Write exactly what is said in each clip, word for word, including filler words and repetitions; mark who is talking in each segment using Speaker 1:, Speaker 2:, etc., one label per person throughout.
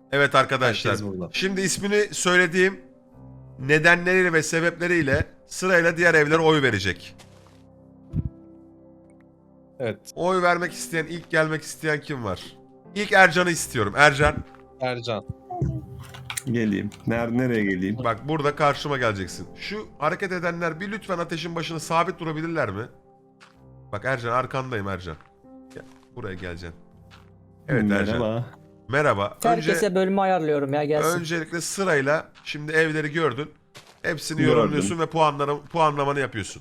Speaker 1: Evet arkadaşlar.
Speaker 2: Herkes burada.
Speaker 1: Şimdi ismini söylediğim nedenleriyle ve sebepleriyle sırayla diğer evlere oy verecek.
Speaker 2: Evet.
Speaker 1: Oy vermek isteyen, ilk gelmek isteyen kim var? İlk Ercan'ı istiyorum. Ercan,
Speaker 2: Ercan.
Speaker 3: Geleyim. Nerede nereye geleyim?
Speaker 1: bak burada karşıma geleceksin. Şu hareket edenler bir lütfen ateşin başına sabit durabilirler mi? Bak Ercan, arkandayım Ercan. Gel, buraya geleceksin. Evet Ercan.
Speaker 3: Merhaba.
Speaker 1: Merhaba.
Speaker 4: Herkese bölümü ayarlıyorum ya gelsin.
Speaker 1: Öncelikle sırayla şimdi evleri gördün. Hepsini
Speaker 3: Gördüm.
Speaker 1: yorumluyorsun ve puanları, puanlamanı yapıyorsun.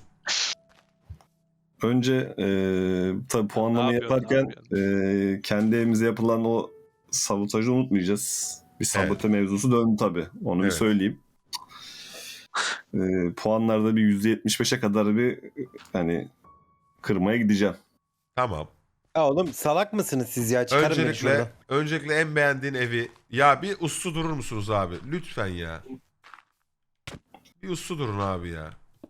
Speaker 3: Önce e, tabii puanlama
Speaker 5: Ne yapıyorsun,
Speaker 3: yaparken
Speaker 5: ne
Speaker 3: e, kendi evimize yapılan o sabotajı unutmayacağız. Bir sabote mevzusu döndü tabii. Onu
Speaker 1: Evet.
Speaker 3: bir söyleyeyim. E, puanlarda bir yüzde yetmiş beşe kadar bir hani kırmaya gideceğim.
Speaker 1: Tamam.
Speaker 6: Ya oğlum salak mısınız siz ya? Çıkarın beni
Speaker 1: Öncelikle,
Speaker 6: şuradan.
Speaker 1: öncelikle en beğendiğin evi. Ya bir uslu durur musunuz abi? Lütfen ya. Bir uslu durun abi ya.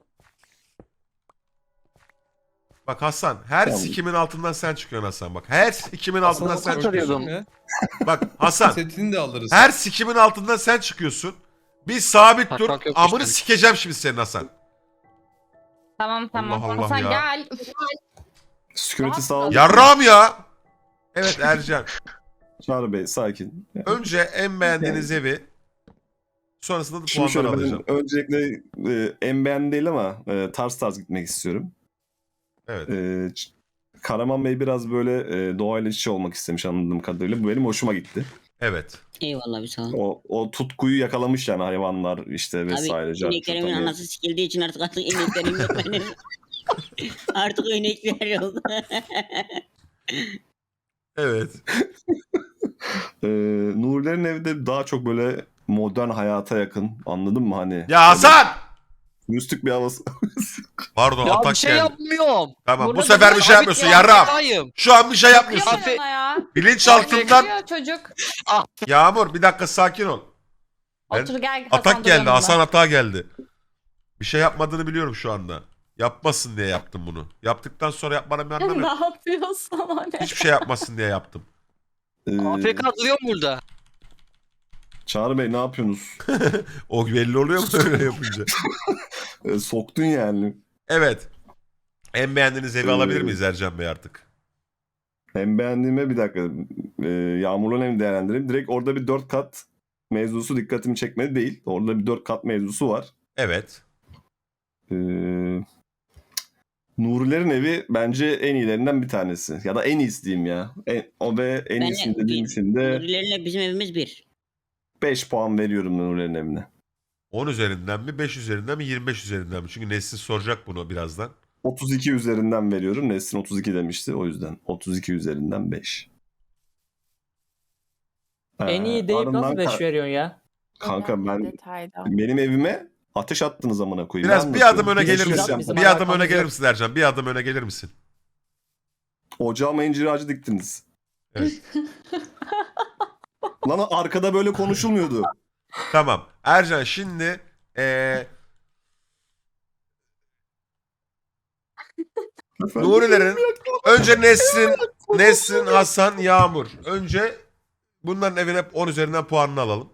Speaker 1: Bak Hasan, her
Speaker 3: Tamam.
Speaker 1: sikimin altından sen çıkıyorsun Hasan bak. Her sikimin altından sen çıkıyorsun.
Speaker 2: Ne?
Speaker 1: Bak Hasan,
Speaker 2: Setini de alırız.
Speaker 1: her sikimin altından sen çıkıyorsun. Bir sabit dur.
Speaker 5: Hakan yok
Speaker 1: Amını
Speaker 5: işte.
Speaker 1: sikeceğim şimdi senin Hasan.
Speaker 7: Tamam tamam.
Speaker 1: Allah Allah
Speaker 7: Hasan
Speaker 1: ya.
Speaker 7: gel.
Speaker 3: Security sağ olun.
Speaker 1: Yarram ya. Evet Ercan.
Speaker 3: Çağrı Bey sakin.
Speaker 1: Önce en beğendiğiniz evi. Sonrasında da
Speaker 3: Şimdi
Speaker 1: puanları
Speaker 3: şöyle
Speaker 1: alacağım.
Speaker 3: ben öncelikle e, en beğendiğim değil ama e, tarz tarz gitmek istiyorum.
Speaker 1: Evet.
Speaker 3: E, Ç- Karaman Bey biraz böyle e, doğayla iç içe olmak istemiş anladığım kadarıyla. Bu benim hoşuma gitti.
Speaker 1: Evet.
Speaker 8: Eyvallah bir sağ ol.
Speaker 3: O, o tutkuyu yakalamış yani hayvanlar işte vesaire.
Speaker 8: Abi
Speaker 3: cartçut,
Speaker 8: ineklerimin
Speaker 3: hani.
Speaker 8: anası sikildiği için artık artık ineklerim yok benim. Artık inekler yok.
Speaker 1: Evet.
Speaker 3: Ee, Nurilerin evi de daha çok böyle modern hayata yakın. Anladın mı hani?
Speaker 1: Ya Hasan!
Speaker 3: Müslük bir havası.
Speaker 1: Pardon
Speaker 5: Ya
Speaker 1: atak
Speaker 5: bir şey
Speaker 1: geldi.
Speaker 5: yapmıyorum.
Speaker 1: Tamam
Speaker 7: Burada
Speaker 1: bu sefer bir
Speaker 7: bir-
Speaker 1: şey
Speaker 5: Abi
Speaker 1: yapmıyorsun
Speaker 5: ya,
Speaker 1: yarram.
Speaker 5: hatayım.
Speaker 1: Şu an bir şey yapmıyorsun.
Speaker 5: Afe-
Speaker 7: Bakıyor ya.
Speaker 1: Bilinçaltından
Speaker 7: Bakıyor çocuk.
Speaker 1: Yağmur bir dakika sakin ol. Ben-
Speaker 7: Otur gel. Hasan
Speaker 1: Atak
Speaker 7: dur
Speaker 1: geldi.
Speaker 7: yanımda.
Speaker 1: Hasan atağa geldi. Bir şey yapmadığını biliyorum şu anda. Yapmasın diye yaptım bunu. Yaptıktan sonra yapmanın bir anlamı
Speaker 7: Ne
Speaker 1: yok.
Speaker 7: yapıyorsun o ne?
Speaker 1: Hiçbir şey yapmasın diye yaptım.
Speaker 3: Ee,
Speaker 5: A F K duruyor mu burada?
Speaker 3: Çağrı Bey ne yapıyorsunuz?
Speaker 1: O belli oluyor mu öyle yapınca?
Speaker 3: Ee, soktun yani.
Speaker 1: Evet. En beğendiğiniz evi
Speaker 3: Ee,
Speaker 1: alabilir miyiz Ercan Bey artık?
Speaker 3: Hem beğendiğime bir dakika. E, Yağmurlu'nun evini değerlendireyim. Direkt orada bir dört kat mevzusu dikkatimi çekmedi değil. Orada bir dört kat mevzusu var.
Speaker 1: Evet.
Speaker 3: Ee, Nurilerin evi bence en iyilerinden bir tanesi. Ya da en iyisi diyeyim ya. En, o ve en
Speaker 8: Ben
Speaker 3: iyisini
Speaker 8: de-
Speaker 3: dediğim için de
Speaker 8: Nurilerle bizim evimiz bir.
Speaker 3: beş puan veriyorum Nurilerin evine.
Speaker 1: on üzerinden mi, beş üzerinden mi, yirmi beş üzerinden mi? Çünkü Nesin soracak bunu birazdan.
Speaker 3: otuz iki üzerinden veriyorum. Nesrin otuz iki demişti o yüzden. otuz iki üzerinden beş.
Speaker 4: En
Speaker 3: Ee,
Speaker 4: iyi deyip
Speaker 3: ardından
Speaker 4: nasıl beş
Speaker 3: ka-
Speaker 4: veriyorsun ya?
Speaker 3: Kanka ben
Speaker 7: Detayda.
Speaker 3: benim evime ateş attınız amına koyayım.
Speaker 1: Biraz
Speaker 3: Ne
Speaker 1: bir adım
Speaker 3: anlatıyorum?
Speaker 1: öne
Speaker 3: Beş
Speaker 1: gelir
Speaker 3: yüz
Speaker 1: misin?
Speaker 3: yaptım.
Speaker 4: Bizim
Speaker 1: Bir adım öne
Speaker 4: alakamız
Speaker 1: gelir
Speaker 4: yok.
Speaker 1: misin Ercan? Bir adım öne gelir misin?
Speaker 3: Ocağıma incir ağacı diktiniz.
Speaker 1: Evet.
Speaker 3: Lan arkada böyle konuşulmuyordu.
Speaker 1: Tamam. Ercan şimdi eee Nurilerin önce Nesrin, Nesrin, Hasan, Yağmur. Önce bunların evine on üzerinden puanını alalım.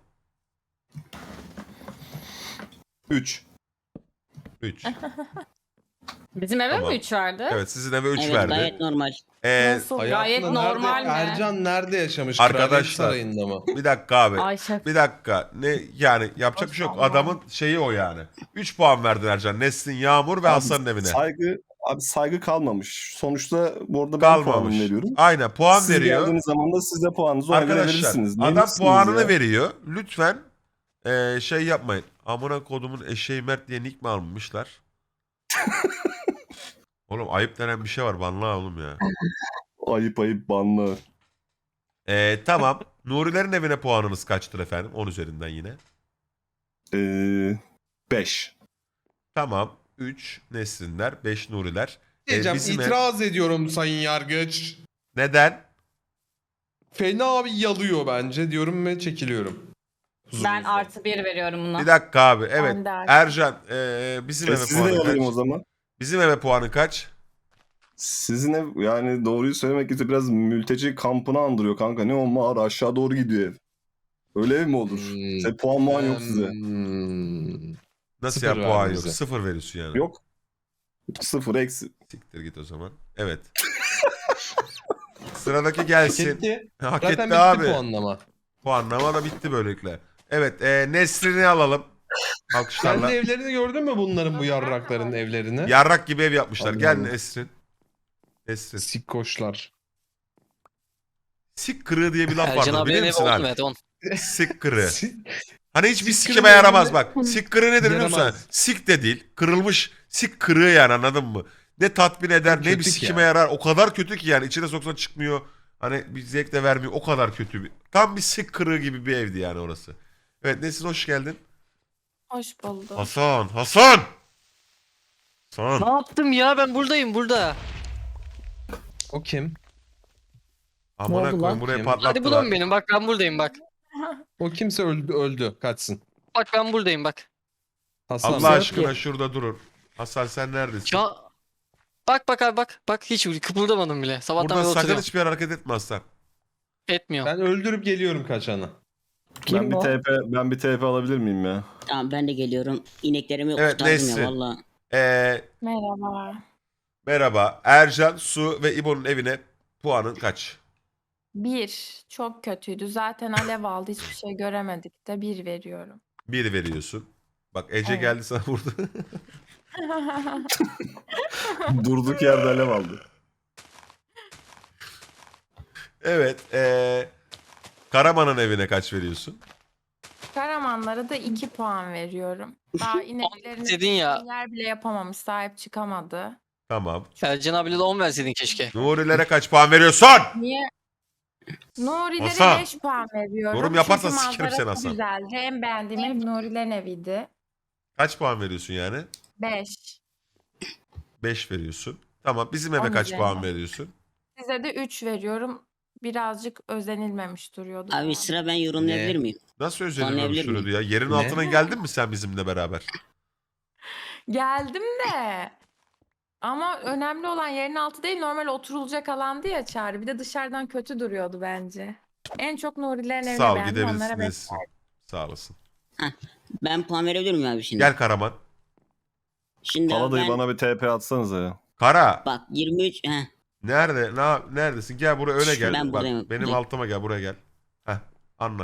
Speaker 3: üç.
Speaker 1: üç.
Speaker 7: Bizim eve
Speaker 1: Tamam.
Speaker 7: mi üç verdi?
Speaker 1: Evet sizin eve üç
Speaker 8: Evet
Speaker 1: verdi.
Speaker 8: gayet normal.
Speaker 1: Ee,
Speaker 7: Nasıl?
Speaker 2: Hayatında
Speaker 7: Gayet
Speaker 2: nerede-
Speaker 7: normal mi?
Speaker 2: Ercan nerede yaşamış?
Speaker 1: Arkadaşlar.
Speaker 2: Kraliyet Sarayı'nda mı?
Speaker 1: bir dakika abi.
Speaker 7: Ay şef.
Speaker 1: Bir dakika. Ne yani yapacak bir şey yok.
Speaker 7: Maşallah.
Speaker 1: Adamın şeyi o yani. üç puan verdin Ercan. Nesrin, Yağmur ve
Speaker 3: Abi,
Speaker 1: Hasan'ın evine.
Speaker 3: Saygı abi saygı kalmamış. Sonuçta bu arada ben
Speaker 1: Kalmamış.
Speaker 3: puanımı veriyorum.
Speaker 1: Aynen puan
Speaker 3: Siz
Speaker 1: veriyor.
Speaker 3: geldiğiniz zaman da siz de puanınızı ona göre
Speaker 1: Arkadaşlar
Speaker 3: verirsiniz. Ne
Speaker 1: adam
Speaker 3: misiniz
Speaker 1: puanını
Speaker 3: ya?
Speaker 1: veriyor. Lütfen eee, şey yapmayın. Amına kodumun eşeği Mert diye nick mi almışlar? Oğlum ayıp denen bir şey var. Banla oğlum ya.
Speaker 3: Ayıp ayıp banlı.
Speaker 1: Eee tamam. Nurilerin evine puanınız kaçtır efendim? on üzerinden yine.
Speaker 3: Ee, beş.
Speaker 1: Tamam. üç Nesrinler, beş Nuriler. Ee,
Speaker 2: Diyeceğim
Speaker 1: bizim ev-
Speaker 2: itiraz ediyorum Sayın Yargıç.
Speaker 1: Neden?
Speaker 2: Fena bir yalıyor bence diyorum ve çekiliyorum.
Speaker 7: Ben
Speaker 2: Huzurunuzda.
Speaker 7: artı bir veriyorum buna.
Speaker 1: Bir dakika abi. Evet.
Speaker 7: Ben de artı.
Speaker 1: Ercan eee, bizim
Speaker 3: E,
Speaker 1: eve
Speaker 3: sizi de
Speaker 1: puanı
Speaker 3: alayım o
Speaker 1: kaç?
Speaker 3: zaman.
Speaker 1: Bizim eve puanı kaç?
Speaker 3: Sizin ev yani doğruyu söylemek gerekirse biraz mülteci kampını andırıyor kanka. Ne o mağara aşağı doğru gidiyor ev. Öyle ev mi olur?
Speaker 2: Hmm.
Speaker 3: Size puan muan yok size.
Speaker 2: Hmm.
Speaker 1: Nasıl
Speaker 2: Sıfır
Speaker 1: ya puan
Speaker 2: verdi
Speaker 1: yok?
Speaker 2: bize.
Speaker 1: Sıfır veriyorsun yani.
Speaker 3: Yok. Sıfır eksi.
Speaker 1: Siktir git o zaman. Evet. Sıradaki
Speaker 2: Hak
Speaker 1: gelsin.
Speaker 2: etti.
Speaker 1: Hak
Speaker 2: Zaten
Speaker 1: etti
Speaker 2: bitti
Speaker 1: abi.
Speaker 2: puanlama.
Speaker 1: Puanlama da bitti böylelikle. Evet e, Nesrin'i alalım. Alkışlarla.
Speaker 2: Kendi evlerini gördün mü bunların, bu yarrakların evlerini?
Speaker 1: Yarrak gibi ev yapmışlar.
Speaker 2: Allah
Speaker 1: Gel
Speaker 2: Allah.
Speaker 1: Nesrin. Nesrin.
Speaker 2: Sikkoşlar.
Speaker 1: Sik kırığı diye bir laf
Speaker 5: Ercan
Speaker 1: vardır
Speaker 5: abinin
Speaker 1: bilir
Speaker 5: evi
Speaker 1: misin
Speaker 5: oldu
Speaker 1: abi?
Speaker 5: mu? Evet on.
Speaker 1: Sik kırığı.
Speaker 2: Sik-
Speaker 1: Hani hiçbir
Speaker 2: Sik
Speaker 1: sikime
Speaker 2: kırığı
Speaker 1: yaramaz
Speaker 2: evinde-
Speaker 1: bak. Sik kırığı nedir biliyor musun?
Speaker 2: Yaramaz.
Speaker 1: Sik de değil. Kırılmış sik kırığı yani anladın mı? Ne tatmin eder ne bir
Speaker 2: Kötü ki
Speaker 1: sikime
Speaker 2: ya.
Speaker 1: yarar. O kadar kötü ki yani. İçine soksan çıkmıyor. Hani bir zevk de vermiyor. O kadar kötü bir. Tam bir sik kırığı gibi bir evdi yani orası. Evet Nesin hoş geldin.
Speaker 9: Hoş bulduk.
Speaker 1: Hasan. Hasan.
Speaker 5: Ne
Speaker 1: Hasan.
Speaker 5: yaptım ya, ben buradayım burada.
Speaker 2: O kim?
Speaker 1: Amına
Speaker 4: oldu
Speaker 1: koyayım
Speaker 4: lan?
Speaker 1: buraya
Speaker 2: Kim?
Speaker 1: patlattılar.
Speaker 5: Hadi bulalım benim, bak ben buradayım bak.
Speaker 2: O kimse öldü, öldü. Kaçsın.
Speaker 5: Bak ben buradayım bak.
Speaker 2: Hasan.
Speaker 1: Allah
Speaker 4: Yok
Speaker 1: aşkına
Speaker 4: ki.
Speaker 1: şurada durur. Hasan sen neredesin?
Speaker 5: Ya bak bak abi bak. Bak hiç kıpırdamadım bile. Sabahtan
Speaker 1: Burada
Speaker 5: beri
Speaker 1: sakın
Speaker 5: oturuyorum.
Speaker 1: hiçbir yer hareket etme Hasan.
Speaker 5: Etmiyor.
Speaker 2: Ben öldürüp geliyorum kaçanı.
Speaker 4: Kim
Speaker 3: ben bir
Speaker 4: o?
Speaker 3: T P ben bir T P alabilir miyim ya?
Speaker 8: Tamam ben de geliyorum. İneklerimi
Speaker 1: Evet,
Speaker 8: kurtardım
Speaker 1: Nesrin.
Speaker 8: ya valla.
Speaker 1: Ee,
Speaker 9: Merhaba.
Speaker 1: merhaba. Ercan, Su ve İbo'nun evine puanın kaç?
Speaker 9: Bir. Çok kötüydü. Zaten alev aldı. Hiçbir şey göremedik de bir veriyorum.
Speaker 1: Bir veriyorsun. Bak Ece
Speaker 9: Evet.
Speaker 1: geldi sana vurdu.
Speaker 3: Durduk yerde alev aldı.
Speaker 1: Evet. Ee, Karaman'ın evine kaç veriyorsun?
Speaker 9: Karamanlara da iki puan veriyorum. Daha ineklerini
Speaker 5: dedin ya.
Speaker 9: yer bile yapamamış. Sahip çıkamadı.
Speaker 1: Tamam.
Speaker 5: Ercan abiyle de on verseydin keşke.
Speaker 1: Nurilere kaç puan veriyorsun?
Speaker 9: Niye? Nuri'lere
Speaker 1: Hasan.
Speaker 9: beş puan veriyorum.
Speaker 1: Yorum yaparsan
Speaker 9: Çünkü
Speaker 1: sikerim
Speaker 9: manzara
Speaker 1: seni
Speaker 9: çok
Speaker 1: Hasan.
Speaker 9: güzeldi. En beğendiğim ev Nuri'lerin eviydi.
Speaker 1: Kaç puan veriyorsun yani?
Speaker 9: Beş.
Speaker 1: beş veriyorsun. Tamam. Bizim eve
Speaker 9: On
Speaker 1: kaç puan
Speaker 9: üzerinden.
Speaker 1: veriyorsun?
Speaker 9: Size de üç veriyorum. Birazcık özenilmemiş duruyordu.
Speaker 8: Abi
Speaker 9: bana.
Speaker 8: sıra ben yorumlayabilir
Speaker 2: Ne?
Speaker 8: miyim?
Speaker 1: Nasıl
Speaker 8: Anlayabilir
Speaker 1: özenilmemiş
Speaker 8: miyim?
Speaker 1: duruyordu ya? Yerin
Speaker 2: Ne?
Speaker 1: altına geldin mi sen bizimle beraber?
Speaker 9: Geldim de. Ama önemli olan yerin altı değil, normal oturulacak alandı ya Çağrı. Bir de dışarıdan kötü duruyordu bence. En çok Nurilerin evine
Speaker 1: Sağ ol
Speaker 9: beğendim. Onlara
Speaker 1: gidebilirsin
Speaker 9: beş.
Speaker 1: Nesin. Sağ olasın.
Speaker 8: Ben puan verebilir miyim abi şimdi?
Speaker 1: Gel Karaman.
Speaker 8: Şimdi abi
Speaker 3: Paladayı
Speaker 8: ben
Speaker 3: bana bir T P atsanıza ya.
Speaker 1: Kara.
Speaker 8: bak yirmi üç heh,
Speaker 1: Nerede? Ne, neredesin? Gel buraya öne gel.
Speaker 8: Ben
Speaker 1: Bak,
Speaker 8: buradayım,
Speaker 1: benim
Speaker 8: buradayım.
Speaker 1: altıma gel buraya gel. Heh, anlat.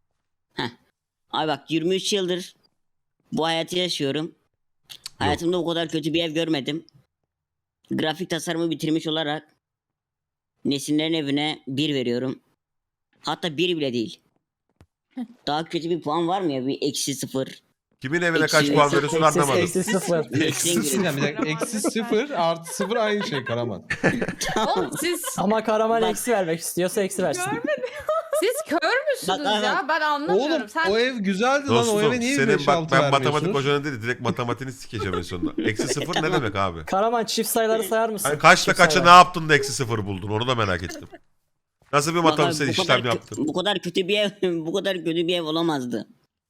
Speaker 8: abi bak yirmi üç yıldır bu hayatı yaşıyorum. Hayatımda bu kadar kötü bir ev görmedim. Grafik tasarımı bitirmiş olarak Nesinlerin evine bir veriyorum. Hatta bir bile değil. Daha kötü bir puan var mı ya? Bir eksi sıfır.
Speaker 1: Kimin evine
Speaker 8: Eksi-
Speaker 1: kaç puan
Speaker 8: eksi-
Speaker 1: veriyorsun
Speaker 4: Eksi,
Speaker 1: anlamadım.
Speaker 4: eksi sıfır.
Speaker 8: Eksi
Speaker 2: Bir dakika, bir dakika. Eksi sıfır artı sıfır aynı şey Karaman.
Speaker 7: Oğlum siz
Speaker 4: Ama Karaman
Speaker 8: Bak.
Speaker 4: eksi vermek istiyorsa eksi versin.
Speaker 7: siz kör müsünüz
Speaker 8: Bak,
Speaker 7: ya? Ben anlamıyorum.
Speaker 2: Oğlum
Speaker 7: Sen
Speaker 2: o ev güzeldi lan, o
Speaker 1: Dostum
Speaker 2: eve niye
Speaker 1: senin
Speaker 2: beş
Speaker 1: bak
Speaker 2: altı
Speaker 1: ben matematik
Speaker 2: vermiyorsunuz?
Speaker 1: hocanın dedi direkt matematiğini sikeceğim en sonunda. Eksi sıfır ne demek abi?
Speaker 4: Karaman çift sayıları sayar mısın?
Speaker 1: Hani kaçta
Speaker 4: Çift
Speaker 1: kaça ne
Speaker 4: sayılar.
Speaker 1: yaptın da eksi sıfır buldun onu da merak ettim. Nasıl bir
Speaker 8: Bak abi,
Speaker 1: matematiksel
Speaker 8: bu
Speaker 1: işlem
Speaker 8: kadar kö-
Speaker 1: yaptın?
Speaker 8: Bu kadar kötü bir ev, bu kadar kötü bir ev olamazdı.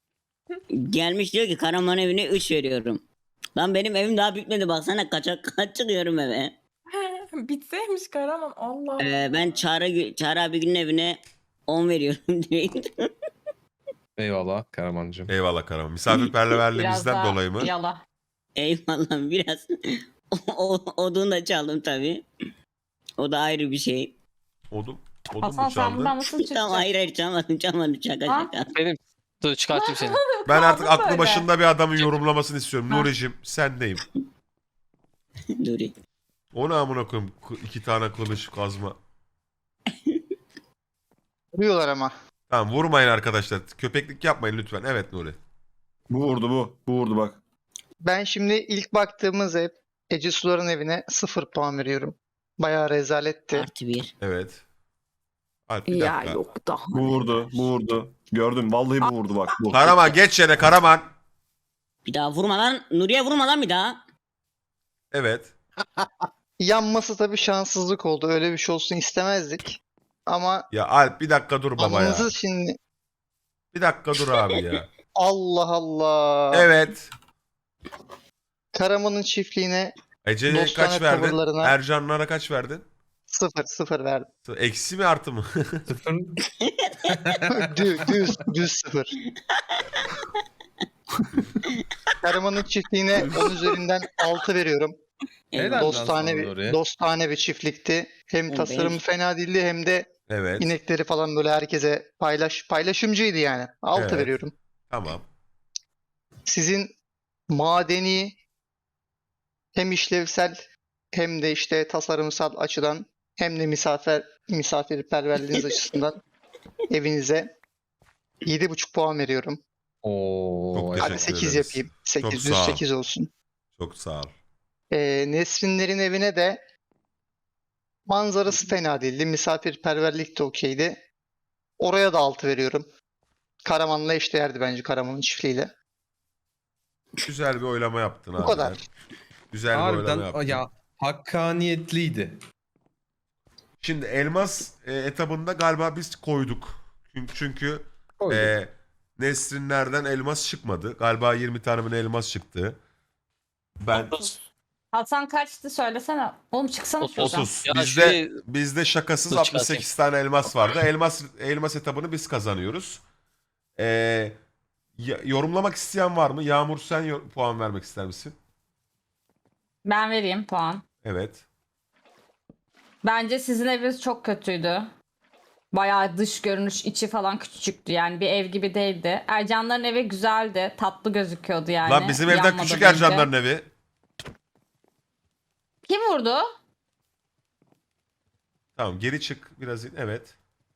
Speaker 8: Gelmiş diyor ki Karaman evine üç veriyorum. Lan benim evim daha bitmedi baksana kaça kaç çıkıyorum eve.
Speaker 9: Bitseymiş Karaman. Allah Allah.
Speaker 8: Ee, ben Çağrı, Çağrı abi günün evine on veriyorum direkt.
Speaker 2: Eyvallah Karamancığım.
Speaker 1: Eyvallah Karaman.
Speaker 7: biraz
Speaker 1: Misafirperverliğimizden
Speaker 7: daha
Speaker 1: dolayı mı?
Speaker 7: yala.
Speaker 8: Eyvallah biraz. o, odun da çaldım tabii. O da ayrı bir şey.
Speaker 1: Odun, odun
Speaker 7: Hasan
Speaker 1: mu
Speaker 7: sen
Speaker 1: çaldı?
Speaker 7: buradan nasıl
Speaker 8: Tamam
Speaker 7: çıkacaksın?
Speaker 8: hayır hayır çalmadım çalmadım şaka
Speaker 7: Ha?
Speaker 8: şaka.
Speaker 5: Benim. Dur çıkartayım seni.
Speaker 1: Ben artık
Speaker 9: Kaldı
Speaker 1: aklı
Speaker 9: böyle.
Speaker 1: başında bir adamın yorumlamasını istiyorum.
Speaker 7: Ha.
Speaker 1: Nuri'cim sendeyim.
Speaker 8: Dur.
Speaker 1: O ne amına koyayım? Kı- İki tane kılıç kazma.
Speaker 10: Vuruyorlar ama.
Speaker 1: Tamam vurmayın arkadaşlar. Köpeklik yapmayın lütfen. Evet Nuri.
Speaker 3: Bu vurdu bu. Bu vurdu bak.
Speaker 10: Ben şimdi ilk baktığımız ev Ece Sular'ın evine sıfır puan veriyorum. Bayağı rezaletti.
Speaker 8: Artı bir.
Speaker 1: Evet. Alp bir
Speaker 9: Ya
Speaker 1: dakika.
Speaker 9: yok daha.
Speaker 3: Bu vurdu. Bu vurdu. Gördüm. Vallahi bu vurdu bak. Bu.
Speaker 1: Karaman geç yere Karaman.
Speaker 8: Bir daha vurma lan. Nuriye vurma lan bir daha.
Speaker 1: Evet.
Speaker 10: Yanması tabii şanssızlık oldu. Öyle bir şey olsun istemezdik. Ama
Speaker 1: Ya Alp bir dakika dur baba ya.
Speaker 10: anınızı şimdi
Speaker 1: Bir dakika dur abi ya.
Speaker 10: Allah Allah.
Speaker 1: Evet.
Speaker 10: Karaman'ın çiftliğine
Speaker 1: Ece'ye
Speaker 10: Dostane
Speaker 1: kaç verdin?
Speaker 10: tavırlarına-
Speaker 1: Ercanlara kaç verdin?
Speaker 10: Sıfır sıfır verdim.
Speaker 1: Eksi mi artı mı?
Speaker 2: Sıfır.
Speaker 10: düz, düz, düz sıfır. Karaman'ın çiftliğine on üzerinden altı veriyorum.
Speaker 2: Helal lan
Speaker 10: Dostane
Speaker 2: sana
Speaker 10: bir,
Speaker 2: Nuri.
Speaker 10: dostane bir çiftlikti. Hem
Speaker 8: Evet.
Speaker 10: tasarımı fena değildi hem de
Speaker 1: Evet.
Speaker 10: inekleri falan böyle herkese paylaş paylaşımcıydı yani. altı
Speaker 1: Evet.
Speaker 10: veriyorum.
Speaker 1: Tamam.
Speaker 10: Sizin madeni hem işlevsel hem de işte tasarımsal açıdan hem de misafir misafirperverliğiniz açısından evinize yedi buçuk puan veriyorum.
Speaker 2: Oo,
Speaker 1: Çok
Speaker 2: evet.
Speaker 10: Hadi
Speaker 1: Teşekkür
Speaker 10: sekiz
Speaker 1: ederiz.
Speaker 10: yapayım. sekiz,
Speaker 1: Çok
Speaker 10: düz
Speaker 1: sağ ol.
Speaker 10: sekiz olsun.
Speaker 1: Çok sağ ol.
Speaker 10: Ee, Nesrinlerin evine de manzarası fena değildi. Misafirperverlik de okeydi. Oraya da altı veriyorum. Karaman'la eşdeğerdi bence Karaman'ın çiftliğiyle.
Speaker 1: Güzel bir oylama yaptın abi.
Speaker 10: kadar.
Speaker 1: Güzel bir oylama
Speaker 2: Harbiden
Speaker 1: yaptın.
Speaker 2: ya hakkaniyetliydi.
Speaker 1: Şimdi elmas e, etabında galiba biz koyduk. Çünkü, çünkü
Speaker 2: Koyduk.
Speaker 1: e, Nesrinlerden elmas çıkmadı. Galiba yirmi tane mi ne elmas çıktı. Ben
Speaker 9: Hasan kaçtı söylesene. Oğlum çıksana şuradan.
Speaker 1: otuz.
Speaker 5: Ya
Speaker 1: Bizde
Speaker 5: şurayı-
Speaker 1: bizde şakasız
Speaker 5: Dur,
Speaker 1: altmış sekiz tane elmas vardı. Elmas elmas etabını biz kazanıyoruz. E, ya- yorumlamak isteyen var mı? Yağmur sen yor- puan vermek ister misin?
Speaker 9: Ben vereyim puan.
Speaker 1: Evet.
Speaker 9: Bence sizin eviniz çok kötüydü. Bayağı dış görünüş, içi falan küçücüktü. Yani bir ev gibi değildi. Ercanların evi güzeldi. Tatlı gözüküyordu yani.
Speaker 1: Lan bizim evden
Speaker 9: yanmadan
Speaker 1: küçük
Speaker 9: önce.
Speaker 1: Ercanların evi.
Speaker 9: Kim vurdu?
Speaker 1: Tamam geri çık biraz. in- Evet.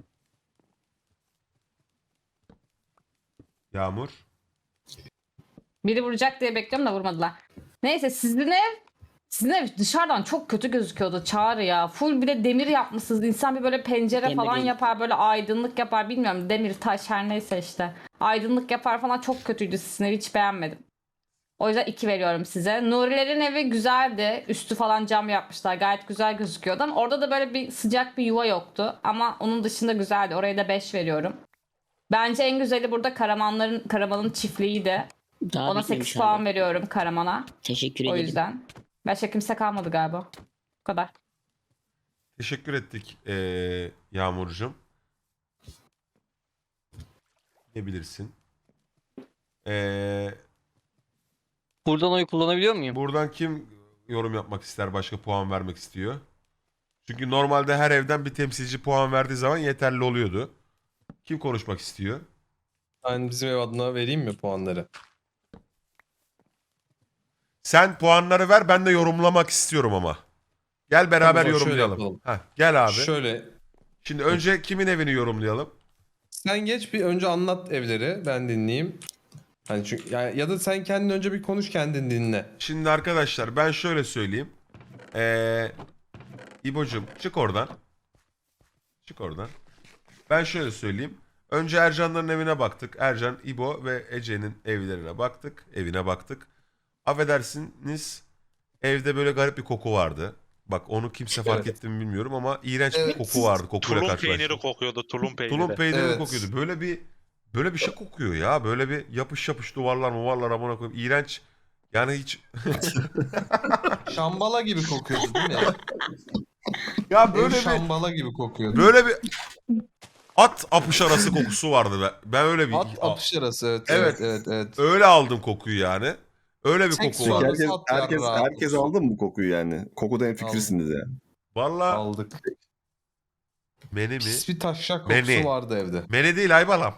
Speaker 1: Yağmur.
Speaker 9: Biri vuracak diye bekliyorum da vurmadılar. Neyse sizin ev sizin ev dışarıdan çok kötü gözüküyordu Çağrı ya. Full bir de demir yapmışsınız. İnsan bir böyle pencere
Speaker 8: Demir
Speaker 9: falan
Speaker 8: değil.
Speaker 9: yapar, böyle aydınlık yapar. Bilmiyorum, demir, taş her neyse işte. Aydınlık yapar falan, çok kötüydü sizin evi, hiç beğenmedim. O yüzden iki veriyorum size. Nurilerin evi güzeldi. Üstü falan cam yapmışlar. Gayet güzel gözüküyordu ama orada da böyle bir sıcak bir yuva yoktu. Ama onun dışında güzeldi. Oraya da beş veriyorum. Bence en güzeli burada Karamanların Karaman'ın çiftliğiydi.
Speaker 8: Daha
Speaker 9: Ona
Speaker 8: bitmemiş
Speaker 9: sekiz puan
Speaker 8: abi.
Speaker 9: veriyorum Karaman'a.
Speaker 8: Teşekkür
Speaker 9: O
Speaker 8: ederim.
Speaker 9: yüzden. Başka kimse kalmadı galiba. Bu kadar.
Speaker 1: Teşekkür ettik ee, Yağmurcuğum. Ne bilirsin? Ee,
Speaker 5: Buradan oy kullanabiliyor muyum?
Speaker 1: buradan kim yorum yapmak ister, başka puan vermek istiyor? Çünkü normalde her evden bir temsilci puan verdiği zaman yeterli oluyordu. Kim konuşmak istiyor?
Speaker 2: Ben bizim ev adına vereyim mi puanları?
Speaker 1: Sen puanları ver, ben de yorumlamak istiyorum ama. Gel beraber
Speaker 2: Tamam, şöyle
Speaker 1: yorumlayalım.
Speaker 2: yapalım.
Speaker 1: Heh, gel abi.
Speaker 2: Şöyle
Speaker 1: Şimdi önce kimin evini yorumlayalım?
Speaker 2: sen geç bir önce anlat evleri, ben dinleyeyim. Hani çünkü ya, ya da sen kendin önce bir konuş, kendin dinle.
Speaker 1: Şimdi arkadaşlar ben şöyle söyleyeyim. Ee, İbo'cum çık oradan. Çık oradan. Ben şöyle söyleyeyim. Önce Ercanların evine baktık. Ercan, İbo ve Ece'nin evlerine baktık. Evine baktık. Affedersiniz, evde böyle garip bir koku vardı. Bak onu kimse fark
Speaker 2: Evet.
Speaker 1: etti mi bilmiyorum ama iğrenç
Speaker 2: Evet.
Speaker 1: bir koku vardı. Kokuyla
Speaker 11: Tulum
Speaker 1: karşılaştım.
Speaker 11: peyniri kokuyordu, tulum peyniri.
Speaker 1: Tulum peyniri
Speaker 2: Evet.
Speaker 1: kokuyordu. Böyle bir böyle bir şey kokuyor ya. Böyle bir yapış yapış duvarlar muvarlar amına koyayım. İğrenç. Yani hiç
Speaker 2: Şambala gibi kokuyordu değil mi?
Speaker 1: ya
Speaker 2: Ev
Speaker 1: böyle bir
Speaker 2: şambala gibi kokuyordu.
Speaker 1: böyle bir at apış arası kokusu vardı be. Ben öyle bir
Speaker 2: At apış arası, evet,
Speaker 1: Evet.
Speaker 2: evet, evet, evet.
Speaker 1: öyle aldım kokuyu yani. Öyle bir
Speaker 2: Tek
Speaker 1: koku
Speaker 2: su
Speaker 1: vardı.
Speaker 2: arası.
Speaker 3: Herkes,
Speaker 2: Sat ya,
Speaker 3: herkes,
Speaker 2: rahat
Speaker 3: herkes
Speaker 2: olsun.
Speaker 3: aldı mı bu kokuyu yani? Kokuda en fikirsiniz ya.
Speaker 1: Valla
Speaker 2: Aldık.
Speaker 1: meni mi?
Speaker 2: Pis bir taşşak kokusu
Speaker 1: Beni.
Speaker 2: vardı evde.
Speaker 1: Meni değil Aybalam.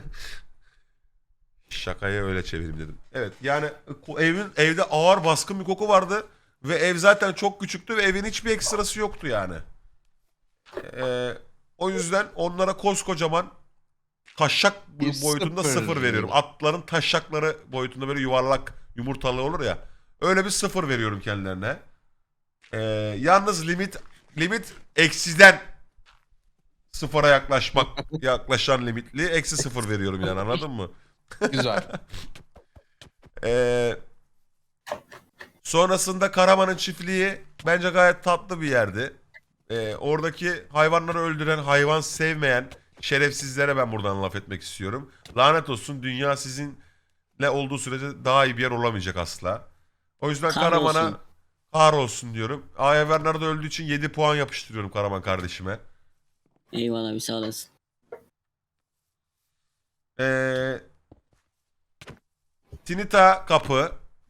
Speaker 1: Şakayı öyle çevireyim dedim. Evet yani ko- evin evde ağır baskın bir koku vardı ve ev zaten çok küçüktü ve evin hiçbir ekstrası yoktu yani. Ee, o yüzden onlara koskocaman taşşak
Speaker 2: Bir
Speaker 1: boyutunda
Speaker 2: sıfır.
Speaker 1: sıfır veriyorum. Atların taşşakları boyutunda böyle yuvarlak yumurtalı olur ya. Öyle bir sıfır veriyorum kendilerine. Ee, yalnız limit limit eksiden sıfıra yaklaşmak yaklaşan limitli eksi sıfır veriyorum yani, anladın mı?
Speaker 2: Güzel.
Speaker 1: Ee, sonrasında Karaman'ın çiftliği bence gayet tatlı bir yerdi. Ee, oradaki hayvanları öldüren, hayvan sevmeyen şerefsizlere ben buradan laf etmek istiyorum. Lanet olsun, dünya sizinle olduğu sürece daha iyi bir yer olamayacak asla. O yüzden
Speaker 8: Kahrolsun.
Speaker 1: Karaman'a Ağır olsun diyorum. Aya Bernardo öldüğü için yedi puan yapıştırıyorum Karaman kardeşime.
Speaker 8: Eyvallah bir sağ olasın.
Speaker 1: Ee, Tinita kapı.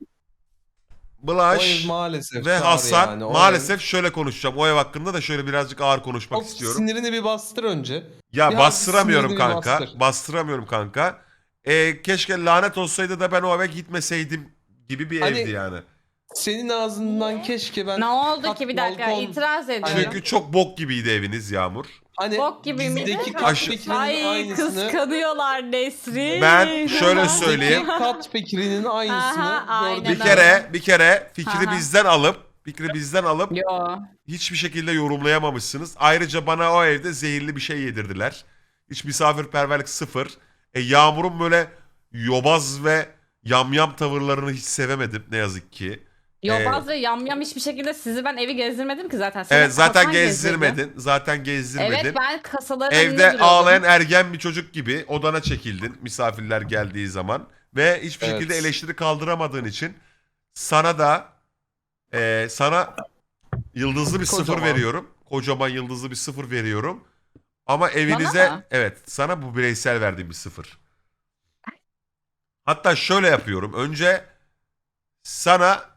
Speaker 2: O ev
Speaker 1: Bulaş
Speaker 2: maalesef.
Speaker 1: ve
Speaker 2: Çağrı
Speaker 1: Hasan.
Speaker 2: yani. O
Speaker 1: Maalesef
Speaker 2: ev-
Speaker 1: şöyle konuşacağım. O ev hakkında da şöyle birazcık ağır konuşmak
Speaker 2: Çok
Speaker 1: istiyorum.
Speaker 2: sinirini bir bastır önce.
Speaker 1: Ya
Speaker 2: Bir
Speaker 1: bastıramıyorum
Speaker 2: sinirini
Speaker 1: kanka.
Speaker 2: bastır.
Speaker 1: Bastıramıyorum kanka. Ee, keşke lanet olsaydı da ben o eve gitmeseydim gibi bir
Speaker 2: Hani-
Speaker 1: evdi yani.
Speaker 2: Senin ağzından keşke ben...
Speaker 9: Ne oldu
Speaker 2: kat
Speaker 9: ki bir dakika
Speaker 2: balkon-
Speaker 9: itiraz ediyorum.
Speaker 1: Çünkü çok bok gibiydi eviniz Yağmur.
Speaker 2: Hani
Speaker 9: Bok gibi miydi?
Speaker 2: bizdeki kat
Speaker 1: Aşı-
Speaker 2: fikrinin
Speaker 9: Ay
Speaker 2: aynısını...
Speaker 9: kıskanıyorlar Nesrin.
Speaker 1: Ben şöyle
Speaker 9: Aha.
Speaker 1: söyleyeyim.
Speaker 2: Bizdeki kat fikrinin aynısını
Speaker 9: Aha, aynen
Speaker 2: gördük.
Speaker 1: Bir kere bir kere fikri
Speaker 9: Aha.
Speaker 1: bizden alıp fikri bizden alıp
Speaker 9: Yo.
Speaker 1: hiçbir şekilde yorumlayamamışsınız. Ayrıca bana o evde zehirli bir şey yedirdiler. Hiç misafirperverlik sıfır. E, Yağmur'un böyle yobaz ve yamyam tavırlarını hiç sevemedim ne yazık ki.
Speaker 9: Yobaz ve yamyam hiçbir şekilde sizi ben evi gezdirmedim ki zaten. Seni
Speaker 1: Evet zaten
Speaker 9: kasan gezdirdi.
Speaker 1: gezdirmedin. Zaten gezdirmedin.
Speaker 9: Evet ben kasaların önünde
Speaker 1: Evde
Speaker 9: duruyordum.
Speaker 1: ağlayan ergen bir çocuk gibi odana çekildin misafirler geldiği zaman. Ve hiçbir
Speaker 2: Evet.
Speaker 1: şekilde eleştiri kaldıramadığın için sana da e, sana yıldızlı bir sıfır
Speaker 2: Kocaman.
Speaker 1: veriyorum. Kocaman yıldızlı bir sıfır veriyorum. Ama evinize
Speaker 9: mı?
Speaker 1: evet sana bu bireysel verdiğim bir sıfır. Hatta şöyle yapıyorum. Önce sana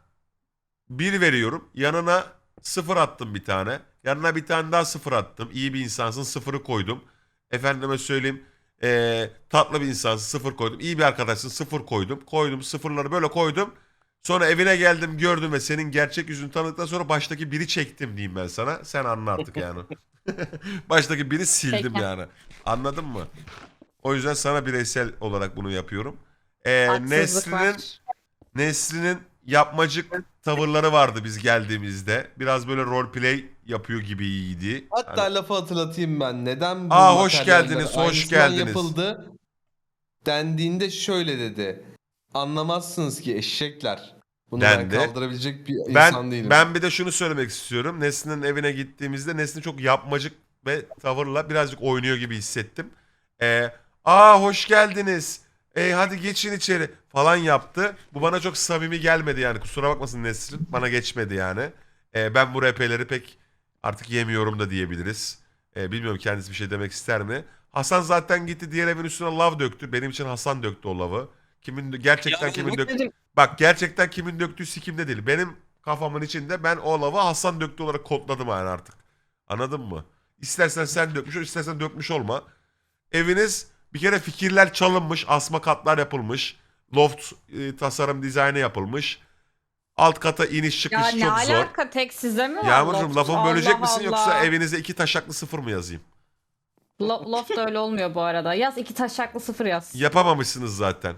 Speaker 1: bir veriyorum. Yanına sıfır attım bir tane. Yanına bir tane daha sıfır attım. İyi bir insansın sıfırı koydum. Efendime söyleyeyim eee, tatlı bir insansın sıfır koydum. İyi bir arkadaşsın sıfır koydum. Koydum sıfırları böyle koydum. Sonra evine geldim gördüm ve senin gerçek yüzünü tanıdıktan sonra baştaki biri çektim diyeyim ben sana. Sen anla artık yani. Baştaki biri sildim
Speaker 9: Peki.
Speaker 1: yani. Anladın mı? O yüzden sana bireysel olarak bunu yapıyorum. Eee
Speaker 9: Haksızlık
Speaker 1: Nesrin'in
Speaker 9: var.
Speaker 1: Nesrin'in yapmacık tavırları vardı biz geldiğimizde. Biraz böyle roleplay yapıyor gibiydi.
Speaker 2: Hatta
Speaker 1: Hani-
Speaker 2: lafı hatırlatayım ben. Neden bu
Speaker 1: Aa, hoş
Speaker 2: materyaller
Speaker 1: geldiniz, hoş
Speaker 2: aynısından
Speaker 1: geldiniz.
Speaker 2: yapıldı dendiğinde şöyle dedi. Anlamazsınız ki eşekler. Bunu
Speaker 1: Dendi.
Speaker 2: ben kaldırabilecek bir insan
Speaker 1: ben
Speaker 2: değilim.
Speaker 1: ben bir de şunu söylemek istiyorum. Nesrin'in evine gittiğimizde Nesrin çok yapmacık ve tavırla birazcık oynuyor gibi hissettim. Ee, aa hoş geldiniz. E, hadi geçin içeri falan yaptı. Bu bana çok samimi gelmedi yani. Kusura bakmasın Nesrin. Bana geçmedi yani. Ee, ben bu R P'leri pek artık yemiyorum da diyebiliriz. Ee, bilmiyorum kendisi bir şey demek ister mi? Hasan zaten gitti diğer evin üstüne lav döktü. Benim için Hasan döktü o lavı. Kimin gerçekten kimin döktü? Bak gerçekten kimin döktüğü sikimde değil. Benim kafamın içinde ben o lavı Hasan döktü olarak kodladım yani artık. Anladın mı? İstersen sen dökmüş ol, istersen dökmüş olma. Eviniz bir kere fikirler çalınmış, asma katlar yapılmış. Loft e, tasarım dizaynı yapılmış. Alt kata iniş çıkış
Speaker 9: Ya ne
Speaker 1: çok zor.
Speaker 9: alaka tek size mi var?
Speaker 1: Yağmurcuğum
Speaker 9: loft?
Speaker 1: lafımı bölecek
Speaker 9: Allah
Speaker 1: misin
Speaker 9: Allah.
Speaker 1: yoksa evinize iki taşaklı sıfır mı yazayım?
Speaker 9: Lo- loft öyle olmuyor bu arada. Yaz iki taşaklı sıfır yaz.
Speaker 1: Yapamamışsınız zaten.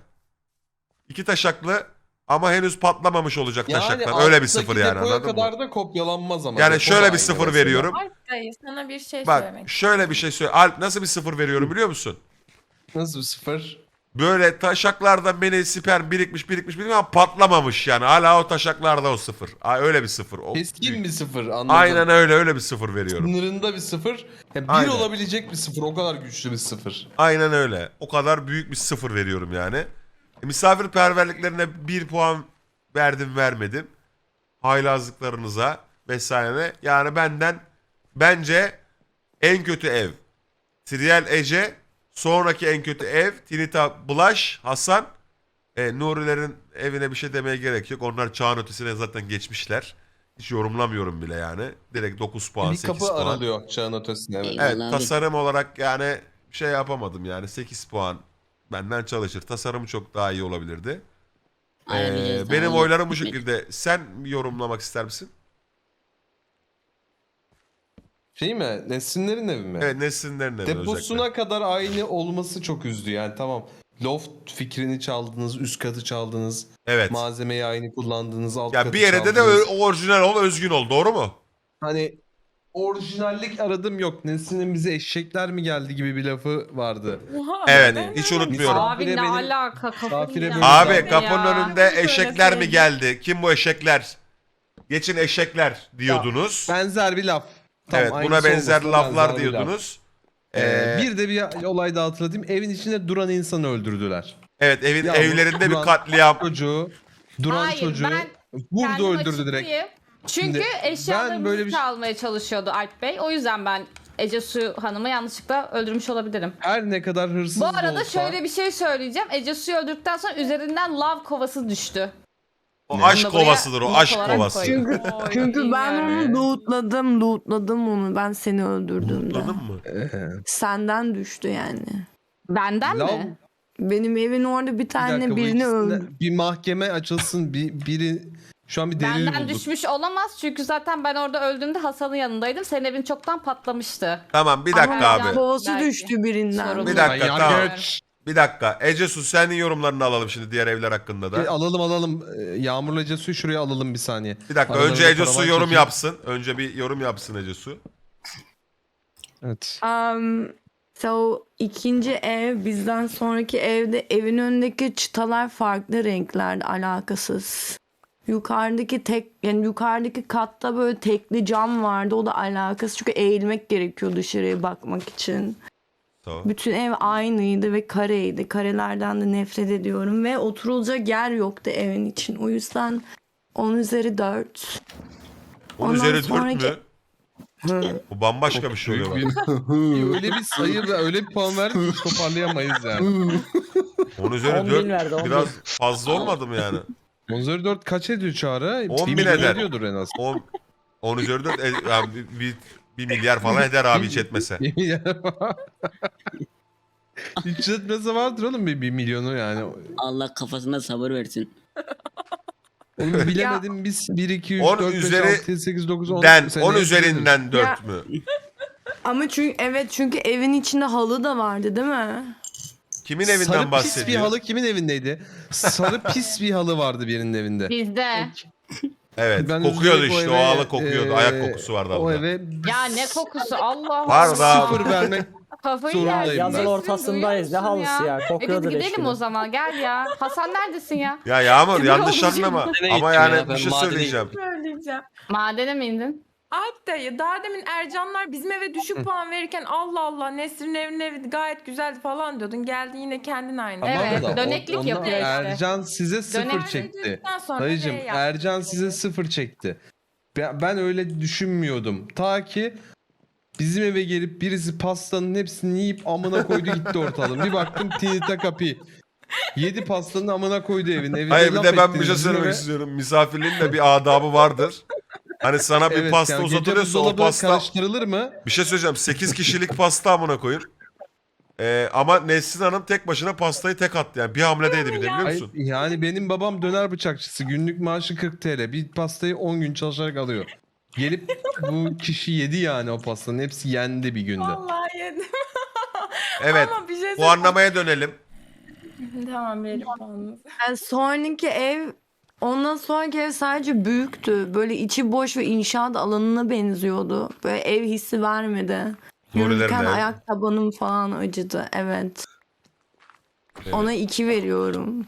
Speaker 1: İki taşaklı ama henüz patlamamış olacak
Speaker 2: yani
Speaker 1: taşaklar. Öyle bir
Speaker 2: alttaki
Speaker 1: sıfır yani
Speaker 2: depoya
Speaker 1: anladın
Speaker 2: kadar
Speaker 1: mı?
Speaker 2: da kopyalanmaz ama.
Speaker 1: Yani
Speaker 2: Depo
Speaker 1: şöyle
Speaker 2: da
Speaker 1: bir
Speaker 2: aynı
Speaker 1: sıfır
Speaker 2: mesela.
Speaker 1: veriyorum.
Speaker 7: Dayı sana bir şey
Speaker 1: Bak
Speaker 7: söylemek
Speaker 1: şöyle bir şey söyle. Alp nasıl bir sıfır veriyorum biliyor musun?
Speaker 2: Nasıl bir sıfır?
Speaker 1: Böyle taşaklardan beni sperm birikmiş birikmiş birikmiş ama patlamamış yani. Hala o taşaklarda o sıfır. Aa, öyle bir sıfır. O
Speaker 2: Keskin bir sıfır anladım.
Speaker 1: Aynen öyle öyle bir sıfır veriyorum.
Speaker 2: Sınırında bir sıfır. Ya bir
Speaker 1: Aynen.
Speaker 2: olabilecek bir sıfır. O kadar güçlü bir sıfır.
Speaker 1: Aynen öyle. O kadar büyük bir sıfır veriyorum yani. E, misafirperverliklerine bir puan verdim vermedim. Haylazlıklarınıza vesaire. Yani benden bence en kötü ev. Trial Ece. Sonraki en kötü ev. Tinita Bulaş. Hasan. E, Nurilerin evine bir şey demeye gerek yok. Onlar çağın ötesine zaten geçmişler. Hiç yorumlamıyorum bile yani. Direkt dokuz puan
Speaker 2: bir
Speaker 1: sekiz
Speaker 2: kapı
Speaker 1: puan.
Speaker 2: aralıyor çağın ötesine. Evet.
Speaker 8: Eyvallah.
Speaker 1: Evet
Speaker 8: abi.
Speaker 1: tasarım olarak yani şey yapamadım yani sekiz puan benden çalışır. Tasarımı çok daha iyi olabilirdi. Ee,
Speaker 8: Ayarlayacağız,
Speaker 1: benim
Speaker 8: daha iyi.
Speaker 1: oylarım bu şekilde. Sen yorumlamak ister misin?
Speaker 2: Şey mi? Nesrinlerin evi mi?
Speaker 1: Evet Nesrinlerin evi
Speaker 2: Deposuna
Speaker 1: özellikle.
Speaker 2: kadar aynı olması çok üzdü. Yani tamam. Loft fikrini çaldınız, üst katı çaldınız.
Speaker 1: Evet.
Speaker 2: Malzemeyi aynı kullandınız, alt
Speaker 1: Ya
Speaker 2: katı
Speaker 1: bir yere de de
Speaker 2: çaldınız.
Speaker 1: ö- orijinal ol, özgün ol. Doğru mu?
Speaker 2: Hani orijinallik aradım yok. Nesrin'in bize eşekler mi geldi gibi bir lafı vardı.
Speaker 7: Oha,
Speaker 1: Evet,
Speaker 7: neden
Speaker 1: hiç
Speaker 7: öyle?
Speaker 1: unutmuyorum.
Speaker 9: Abi ne
Speaker 2: benim-
Speaker 9: alaka kafayı
Speaker 2: misafire
Speaker 9: yiyeceğim
Speaker 2: benim-
Speaker 1: Abi
Speaker 9: ya.
Speaker 1: kapının önünde
Speaker 7: Bunu
Speaker 1: eşekler mi
Speaker 7: söyleseydin.
Speaker 1: geldi? Kim bu eşekler? Geçin eşekler diyordunuz.
Speaker 2: Benzer bir laf. Tam
Speaker 1: Evet buna
Speaker 2: aynısı
Speaker 1: benzer
Speaker 2: olmasa
Speaker 1: laflar
Speaker 2: benzer bir laf.
Speaker 1: diyordunuz.
Speaker 2: Ee,
Speaker 1: Ee,
Speaker 2: bir de bir olay daha hatırlatayım. Evin içinde duran insanı öldürdüler.
Speaker 1: evet evin
Speaker 2: Ya bu-
Speaker 1: evlerinde bir
Speaker 2: Duran-
Speaker 1: katliam.
Speaker 2: Çocuğu, duran
Speaker 9: Hayır,
Speaker 2: çocuğu
Speaker 9: ben
Speaker 2: vurdu
Speaker 9: Kendim
Speaker 2: öldürdü direkt.
Speaker 9: açıklayayım. Çünkü
Speaker 2: Şimdi
Speaker 9: eşyalarımızı
Speaker 2: böyle bir şey-
Speaker 9: çalmaya çalışıyordu Alp Bey. O yüzden ben Ece Su Hanım'ı yanlışlıkla öldürmüş olabilirim.
Speaker 2: Her ne kadar hırsız
Speaker 9: Bu
Speaker 2: da
Speaker 9: arada
Speaker 2: olsa...
Speaker 9: şöyle bir şey söyleyeceğim. Ece Su'yu öldürdükten sonra üzerinden lav kovası düştü.
Speaker 1: O
Speaker 2: Ne?
Speaker 1: aşk
Speaker 9: Bunu da buraya
Speaker 1: kovasıdır o
Speaker 9: not
Speaker 1: aşk
Speaker 9: olarak
Speaker 1: kovası.
Speaker 9: koyayım.
Speaker 7: Çünkü,
Speaker 9: Oy,
Speaker 7: çünkü ben
Speaker 9: bilmiyorum.
Speaker 7: onu lootladım, lootladım onu. Ben seni öldürdüğümde.
Speaker 1: Anladın mı?
Speaker 2: Ee,
Speaker 7: Senden düştü yani.
Speaker 9: Benden
Speaker 2: Lav-
Speaker 9: mi?
Speaker 7: Benim evin orada bir
Speaker 2: Bir
Speaker 7: tane
Speaker 2: dakika, bu
Speaker 7: birini
Speaker 2: ikisinden
Speaker 7: öldürdü.
Speaker 2: bir mahkeme açılsın, bir biri şu an bir delil
Speaker 9: Benden
Speaker 2: bulduk.
Speaker 9: düşmüş olamaz çünkü zaten ben orada öldüğümde Hasan'ın yanındaydım. Senin evin çoktan patlamıştı.
Speaker 1: Tamam bir dakika
Speaker 9: Ama
Speaker 1: abi.
Speaker 7: Kovası
Speaker 9: Belki.
Speaker 7: düştü birinden.
Speaker 9: Sorumlu.
Speaker 1: Bir dakika
Speaker 2: Ay,
Speaker 1: tamam.
Speaker 2: yargıç.
Speaker 1: Bir dakika. Ece Su senin yorumlarını alalım şimdi diğer evler hakkında
Speaker 2: E,
Speaker 1: da.
Speaker 2: alalım alalım. Ee, Yağmurla Ece Su'yu şuraya alalım bir saniye.
Speaker 1: Bir dakika
Speaker 2: Aralarında
Speaker 1: önce Ece
Speaker 2: paravan
Speaker 1: Su yorum
Speaker 2: çekeyim.
Speaker 1: yapsın. Önce bir yorum yapsın Ece Su.
Speaker 2: Evet.
Speaker 7: Um, so ikinci ev bizden sonraki evde evin önündeki çıtalar farklı renklerde, alakasız. Yukarıdaki tek yani yukarıdaki katta böyle tekli cam vardı, o da alakasız çünkü eğilmek gerekiyor dışarıya bakmak için.
Speaker 1: Tamam.
Speaker 7: Bütün ev aynıydı ve kareydi. Karelerden de nefret ediyorum ve oturulacak yer yoktu evin için. O yüzden on üzeri dört.
Speaker 1: On
Speaker 7: Ondan
Speaker 1: üzeri dört
Speaker 7: sonraki-
Speaker 1: mü? O bambaşka bir şey oluyor bak.
Speaker 2: öyle bir sayı ve öyle bir puan verdik ki hiç toparlayamayız yani.
Speaker 1: On üzeri
Speaker 4: on bin
Speaker 1: dört
Speaker 4: verdi, on bin.
Speaker 1: biraz fazla olmadı mı yani?
Speaker 2: on üzeri dört kaç ediyor Çağrı?
Speaker 1: on
Speaker 2: Bir
Speaker 1: bin
Speaker 2: milyon
Speaker 1: eder.
Speaker 2: ediyordur en az.
Speaker 1: on, on üzeri dört e, yani bir, bir, bir milyar falan eder abi hiç etmese.
Speaker 2: Hiç etmese vardır oğlum bir, bir milyonu yani.
Speaker 8: Allah kafasına sabır versin.
Speaker 2: Oğlum bilemedim biz bir, iki, üç,
Speaker 1: on
Speaker 2: dört, beş,
Speaker 1: üzeri
Speaker 2: altı, yedi, sekiz, dokuz, on.
Speaker 1: Den
Speaker 2: Sen
Speaker 1: on
Speaker 2: ne
Speaker 1: üzerinden dört
Speaker 7: Ya-
Speaker 1: mü?
Speaker 7: Ama çünkü evet çünkü evin içinde halı da vardı değil mi?
Speaker 1: Kimin
Speaker 2: Sarı
Speaker 1: evinden
Speaker 2: pis bir
Speaker 1: bahsediyor?
Speaker 2: halı kimin evindeydi? Sarı pis bir halı vardı birinin evinde.
Speaker 9: Bizde.
Speaker 1: Evet
Speaker 2: Ben
Speaker 1: kokuyordu
Speaker 2: üzülerek
Speaker 1: işte o
Speaker 2: eve,
Speaker 1: halı kokuyordu.
Speaker 2: eee,
Speaker 1: Ayak kokusu vardı
Speaker 2: O
Speaker 1: halıda.
Speaker 2: eve
Speaker 9: Ya ne kokusu Allah
Speaker 1: Var da-
Speaker 2: sıfır vermek.
Speaker 9: Kafayı
Speaker 2: Zorundayım
Speaker 9: yersin.
Speaker 2: ben.
Speaker 4: Yazın
Speaker 9: Nesrin,
Speaker 4: ortasındayız. Ne
Speaker 9: duyuyor musun
Speaker 4: halısı ya?
Speaker 9: E
Speaker 4: Kokuyordur
Speaker 9: biz
Speaker 4: leş
Speaker 9: gidelim
Speaker 4: gibi.
Speaker 9: o zaman gel ya. Hasan neredesin ya?
Speaker 1: Ya Yağmur
Speaker 9: Kimin
Speaker 1: yanlış
Speaker 9: olduğunu
Speaker 1: anlama.
Speaker 5: Madene
Speaker 1: Ama
Speaker 5: gittim
Speaker 1: yani
Speaker 5: ya,
Speaker 1: bir
Speaker 5: ben
Speaker 1: şey
Speaker 5: madene
Speaker 1: söyleyeceğim.
Speaker 7: Söyleyeceğim.
Speaker 9: Madene mi indin?
Speaker 11: Alp dayı daha demin Ercanlar bizim eve düşük puan verirken Allah Allah Nesrin'in evinin evi gayet güzeldi falan diyordun. Geldin yine kendin aynı.
Speaker 9: Evet,
Speaker 2: Tamam da o-
Speaker 9: döneklik
Speaker 2: ondan
Speaker 9: yapıyor işte.
Speaker 2: Ercan size sıfır
Speaker 9: Dönek-
Speaker 2: çekti.
Speaker 11: Ondan sonra
Speaker 2: Dayıcım
Speaker 11: ne yaptın?
Speaker 2: Ercan size sıfır çekti. Ben, ben öyle düşünmüyordum. Ta ki bizim eve gelip birisi pastanın hepsini yiyip amına koydu gitti ortalığı. Bir baktım Tinita kapı. Yedi pastanın amına koydu evin. Evinde
Speaker 1: Hayır bir
Speaker 2: laf
Speaker 1: de ben bir
Speaker 2: ettiniz
Speaker 1: şey
Speaker 2: bizim
Speaker 1: söylemek
Speaker 2: eve.
Speaker 1: istiyorum. Misafirliğin de bir adabı vardır. Hani sana bir
Speaker 2: Evet,
Speaker 1: pasta
Speaker 2: yani gece
Speaker 1: uzatılıyorsa o
Speaker 2: buzdolabı
Speaker 1: pasta...
Speaker 2: karıştırılır mı?
Speaker 1: Bir şey söyleyeceğim. sekiz kişilik pasta amına koyun. Ee, ama Nesrin Hanım tek başına pastayı tek attı. Yani bir hamledeydi bir de biliyor
Speaker 2: Ay,
Speaker 1: musun?
Speaker 2: yani benim babam döner bıçakçısı. Günlük maaşı kırk TL. Bir pastayı on gün çalışarak alıyor. Gelip bu kişi yedi yani o pastanın. Hepsi yendi bir günde.
Speaker 11: Vallahi yedim.
Speaker 1: Evet.
Speaker 11: Ama bir şey
Speaker 1: Bu anlamaya dönelim.
Speaker 11: Tamam verin puanınızı.
Speaker 7: Yani sonraki ev ondan sonraki ev sadece büyüktü. Böyle içi boş ve inşaat alanına benziyordu. Böyle ev hissi vermedi.
Speaker 1: Nurilerin
Speaker 7: Yürürken
Speaker 1: ev.
Speaker 7: ayak tabanım falan acıdı. Evet.
Speaker 1: Evet.
Speaker 7: Ona iki veriyorum.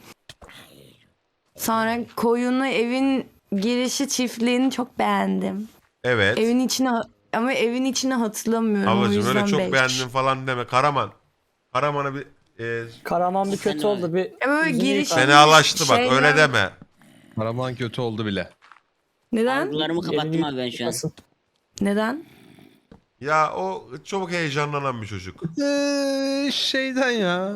Speaker 7: Sonra koyunlu evin girişi çiftliğini çok beğendim.
Speaker 1: Evet.
Speaker 7: Evin içine ama evin içine hatırlamıyorum. o
Speaker 1: Ablacığım
Speaker 7: yüzden
Speaker 1: öyle çok
Speaker 7: beş.
Speaker 1: beğendim falan deme. Karaman. Karaman'a bir e,
Speaker 4: Karaman bir kötü
Speaker 8: Fena.
Speaker 4: oldu. Bir
Speaker 7: Ya böyle
Speaker 4: yüzünü
Speaker 7: giriş-
Speaker 4: yıkar.
Speaker 1: fenalaştı bak
Speaker 7: Şeyler-
Speaker 1: öyle deme.
Speaker 2: Karaman kötü oldu bile.
Speaker 7: Neden?
Speaker 8: Algılarımı kapattım
Speaker 4: Elini
Speaker 8: abi ben şu an.
Speaker 4: yıkasın.
Speaker 7: Neden?
Speaker 1: Ya o çok heyecanlanan bir çocuk.
Speaker 2: Ee, şeyden ya.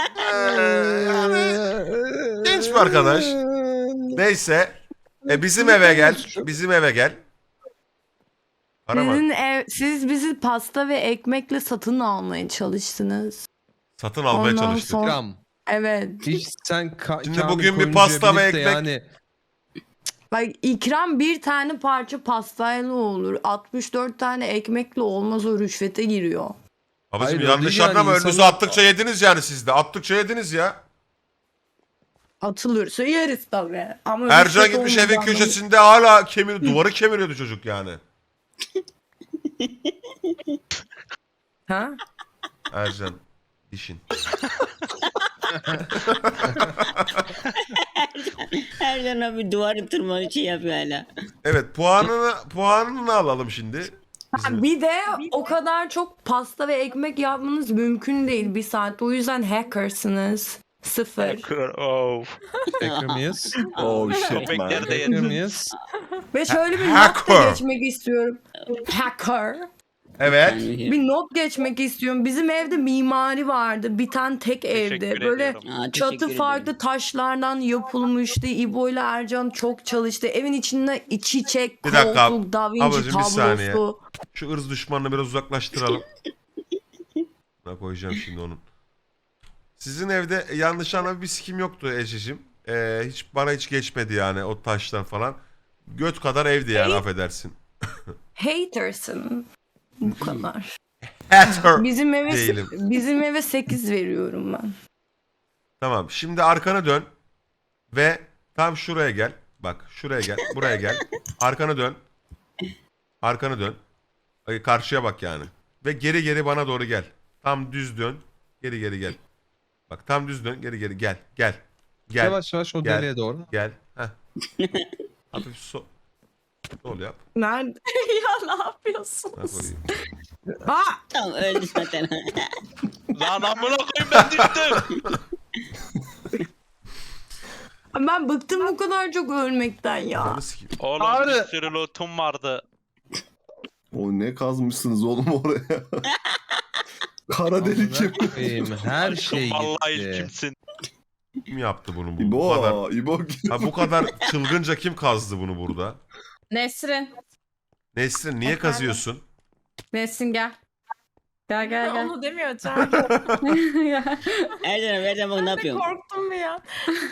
Speaker 1: Genç bir arkadaş. Neyse. E bizim eve gel. Bizim eve gel. Karaman.
Speaker 7: Sizin ev, siz bizi pasta ve ekmekle satın almaya çalıştınız.
Speaker 1: Satın almaya
Speaker 7: Ondan
Speaker 1: çalıştık.
Speaker 7: sonra-
Speaker 2: İkram.
Speaker 7: Evet.
Speaker 2: Hiç sen ka-
Speaker 1: Şimdi
Speaker 2: Kamil
Speaker 1: bugün bir
Speaker 2: Koyuncu'ya
Speaker 1: pasta ve
Speaker 2: binip de
Speaker 1: ekmek-
Speaker 2: Yani
Speaker 7: Bak ikram bir tane parça pastayla olur. altmış dört tane ekmekle olmaz, o rüşvete giriyor.
Speaker 1: Babacım
Speaker 2: Hayır, o
Speaker 1: yanlış
Speaker 2: değil yani,
Speaker 1: anlama. Önünüze
Speaker 2: insanlar-
Speaker 1: attıkça yediniz yani siz de. Attıkça yediniz ya.
Speaker 7: Atılırsa yeriz tabii. Ama
Speaker 1: Ercan
Speaker 7: rüşvet
Speaker 1: gitmiş evin
Speaker 7: olmayacağını-
Speaker 1: köşesinde hala kemir, duvarı kemiriyordu çocuk yani.
Speaker 7: Ha?
Speaker 1: Ercan. Dişin.
Speaker 8: Ercan abi duvarı tırmanı şey yapıyor hala.
Speaker 1: Evet puanını puanını alalım şimdi. Bizim-
Speaker 7: Bir de o kadar çok pasta ve ekmek yapmanız mümkün değil bir saatte. O yüzden hackersınız. Sıfır.
Speaker 2: Hacker mıyız?
Speaker 3: Oh shit man.
Speaker 2: Hacker mıyız?
Speaker 7: Ve şöyle bir not
Speaker 1: Hacker.
Speaker 7: da geçmek istiyorum. Hacker.
Speaker 1: Evet.
Speaker 8: Yani-
Speaker 7: Bir not geçmek istiyorum. Bizim evde mimari vardı. Bir tane tek evde. Böyle
Speaker 8: Aa, teşekkür
Speaker 7: çatı
Speaker 8: ederim.
Speaker 7: farklı taşlardan yapılmıştı. İbo ile Ercan çok çalıştı. Evin içinde çiçek,
Speaker 1: Bir dakika,
Speaker 7: koltuk, Da Vinci
Speaker 1: ablacığım, bir saniye.
Speaker 7: tablosu.
Speaker 1: Şu ırz düşmanını biraz uzaklaştıralım. Ne koyacağım şimdi onun. Sizin evde yanlış anlamda bir sikim yoktu Ece'cim. Ee, hiç bana hiç geçmedi yani o taşlar falan. Göt kadar evdi yani
Speaker 7: Hey.
Speaker 1: affedersin.
Speaker 7: Hatersın. Bu kadar.
Speaker 1: Hater.
Speaker 7: Bizim eve
Speaker 1: Değilim.
Speaker 7: bizim eve sekiz veriyorum ben.
Speaker 1: Tamam, şimdi arkana dön ve tam şuraya gel. Bak şuraya gel, buraya gel. Arkana dön. Arkana dön. Ay, karşıya bak yani. Ve geri geri bana doğru gel. Tam düz dön. Geri geri gel. Bak tam düz dön, geri geri gel. Gel. Gel.
Speaker 2: Yavaş yavaş o
Speaker 1: Gel.
Speaker 2: deliğe doğru.
Speaker 1: Gel. Heh. Hafif so sol yap.
Speaker 7: Nerede?
Speaker 11: ya ne
Speaker 1: Ha,
Speaker 11: yapıyorsunuz?
Speaker 1: koyayım.
Speaker 7: Aa!
Speaker 8: Tamam öldü zaten.
Speaker 12: Lan amına koyayım ben düştüm.
Speaker 7: Ben bıktım bu kadar çok ölmekten ya.
Speaker 1: Ananı sikeyim.
Speaker 12: Oğlum
Speaker 2: Abi.
Speaker 12: bir sürü lootum vardı.
Speaker 3: O ne kazmışsınız oğlum oraya? Kara delik kim?
Speaker 2: Benim her şey
Speaker 12: Vallahi
Speaker 2: gitti.
Speaker 12: kimsin?
Speaker 1: Kim yaptı bunu bu? Bu kadar,
Speaker 3: İbo, İbo.
Speaker 1: ha, bu kadar çılgınca kim kazdı bunu burada?
Speaker 9: Nesrin.
Speaker 1: Nesrin niye
Speaker 11: Efendim?
Speaker 1: kazıyorsun?
Speaker 9: Nesrin gel. Gel gel gel.
Speaker 11: Onu demiyor Çağrı.
Speaker 9: Gel.
Speaker 8: Erdem Erdem bak ne
Speaker 11: Ben de
Speaker 8: yapıyorum?
Speaker 11: korktum bir ya.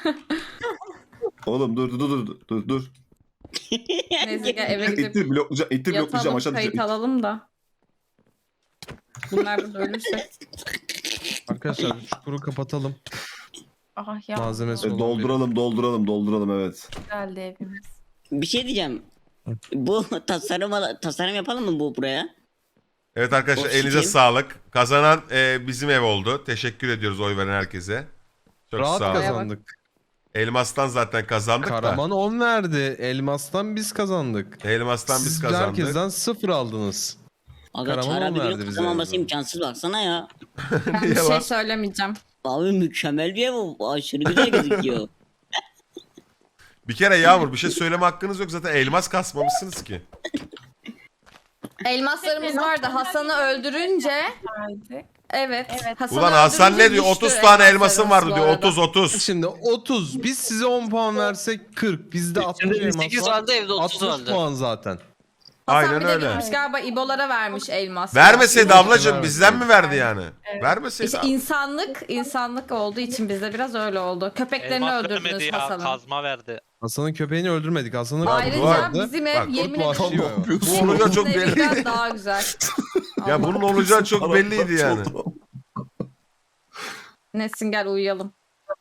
Speaker 3: Oğlum dur dur dur dur dur.
Speaker 9: Neyse gel eve gidip
Speaker 3: İttir bloklayacağım, ittir bloklayacağım
Speaker 9: yatalım,
Speaker 3: aşağı
Speaker 9: kayıt
Speaker 3: düşeceğim.
Speaker 9: alalım da. Bunlar burada ölürse.
Speaker 2: Arkadaşlar çukuru kapatalım.
Speaker 11: Ah ya.
Speaker 2: Malzemesi
Speaker 3: E,
Speaker 2: olan
Speaker 3: dolduralım dolduralım dolduralım evet.
Speaker 11: Güzeldi evimiz.
Speaker 8: Bir şey diyeceğim. Bu tasarım ala- tasarım yapalım mı bu buraya?
Speaker 1: Evet arkadaşlar,
Speaker 8: Of,
Speaker 1: elinize
Speaker 8: kim?
Speaker 1: sağlık. Kazanan e, bizim ev oldu. Teşekkür ediyoruz oy veren herkese. Çok
Speaker 2: Rahat
Speaker 1: sağ olun.
Speaker 2: kazandık.
Speaker 1: Elmas'tan zaten kazandık
Speaker 2: Karaman on verdi. Elmas'tan biz kazandık.
Speaker 1: da. Elmas'tan biz
Speaker 2: Siz
Speaker 1: kazandık.
Speaker 2: herkesten sıfır aldınız.
Speaker 8: Aga
Speaker 2: Karaman
Speaker 8: Çağrı
Speaker 2: on
Speaker 8: abi
Speaker 2: verdi
Speaker 8: benim
Speaker 2: bize
Speaker 8: kazanmaması
Speaker 2: yani.
Speaker 8: imkansız baksana ya.
Speaker 9: Ben bir
Speaker 1: Niye
Speaker 9: şey
Speaker 1: lan?
Speaker 9: söylemeyeceğim.
Speaker 8: Abi mükemmel bir ev o. Aşırı güzel gözüküyor.
Speaker 1: Bir kere Yağmur bir şey söyleme hakkınız yok, zaten elmas kasmamışsınız ki.
Speaker 9: Elmaslarımız vardı. Hasan'ı öldürünce
Speaker 11: Haydi.
Speaker 9: evet. Hasan'ı
Speaker 1: Ulan Hasan
Speaker 9: öldürünce
Speaker 1: ne diyor?
Speaker 9: düştü
Speaker 1: otuz tane elmasım
Speaker 9: elmaslarımız
Speaker 1: vardı
Speaker 9: bu
Speaker 1: diyor.
Speaker 9: arada.
Speaker 1: otuz otuz.
Speaker 2: Şimdi otuz. Biz size on puan versek kırk. Bizde altmış elmas
Speaker 5: sekiz
Speaker 2: var.
Speaker 5: vardı, evde otuz
Speaker 2: altmış
Speaker 5: vardı.
Speaker 2: puan zaten.
Speaker 9: Hasan
Speaker 1: Aynen
Speaker 9: bir de
Speaker 1: öyle.
Speaker 9: gitmiş galiba İbo'lara vermiş elmas.
Speaker 1: Vermeseydi
Speaker 2: Evet,
Speaker 1: ablacığım
Speaker 2: evet.
Speaker 1: bizden mi verdi yani? Vermeseydi.
Speaker 9: İşte insanlık, insanlık olduğu için bizde biraz öyle oldu. Köpeklerini
Speaker 12: Elmas
Speaker 9: öldürdünüz
Speaker 12: vermedi ya
Speaker 9: Hasan'ın.
Speaker 12: kazma verdi.
Speaker 2: Hasan'ın köpeğini öldürmedik. Hasan'ın
Speaker 9: Ayrıca
Speaker 1: bu arada-
Speaker 9: bizim ev
Speaker 1: bak,
Speaker 9: yemin
Speaker 2: kurt vahşi
Speaker 9: ederim.
Speaker 2: o.
Speaker 1: Bu olacağı çok
Speaker 9: Bizim ev
Speaker 1: belli.
Speaker 9: biraz daha güzel.
Speaker 1: Ya
Speaker 9: Allah.
Speaker 1: bunun olacağı çok belliydi yani.
Speaker 9: Nesin gel uyuyalım.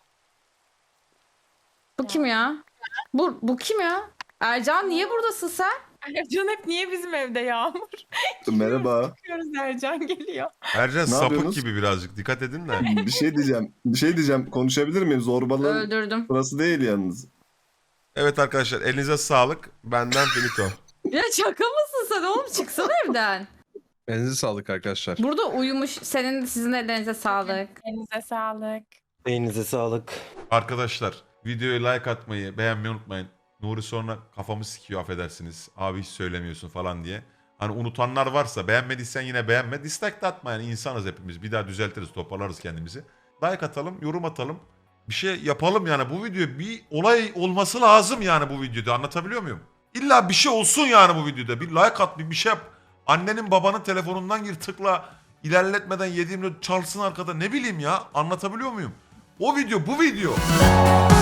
Speaker 9: Bu kim ya? Bu, bu kim ya? Ercan niye buradasın sen?
Speaker 11: Ercan hep niye bizim evde Yağmur?
Speaker 3: Merhaba.
Speaker 11: Bakıyoruz Ercan geliyor.
Speaker 1: Ercan
Speaker 3: Ne
Speaker 1: sapık
Speaker 3: yapıyorsunuz?
Speaker 1: gibi birazcık, dikkat edin de.
Speaker 3: Bir şey diyeceğim. Bir şey diyeceğim. Konuşabilir miyim? Zorbalığın
Speaker 9: Öldürdüm.
Speaker 3: burası değil yalnız.
Speaker 1: Evet arkadaşlar, elinize sağlık. Benden finito.
Speaker 9: Ya şaka mısın sen oğlum? Çıksana evden.
Speaker 2: Elinize sağlık arkadaşlar.
Speaker 9: Burada uyumuş. Senin sizin ellerinize sağlık.
Speaker 11: Elinize sağlık.
Speaker 6: Elinize sağlık.
Speaker 1: Arkadaşlar videoya like atmayı, beğenmeyi unutmayın. Nuri sonra kafamı sikiyor, affedersiniz. Abi hiç söylemiyorsun falan diye. Hani unutanlar varsa, beğenmediysen yine beğenme. Dislike de atma yani, insanız hepimiz. Bir daha düzeltiriz, toparlarız kendimizi. Like atalım, yorum atalım. Bir şey yapalım yani, bu video bir olay olması lazım yani bu videoda, anlatabiliyor muyum? İlla bir şey olsun yani bu videoda. Bir like at, bir bir şey yap. Annenin babanın telefonundan gir, tıkla. İlerletmeden yediğimde çalsın arkada, ne bileyim ya, anlatabiliyor muyum? O video bu video.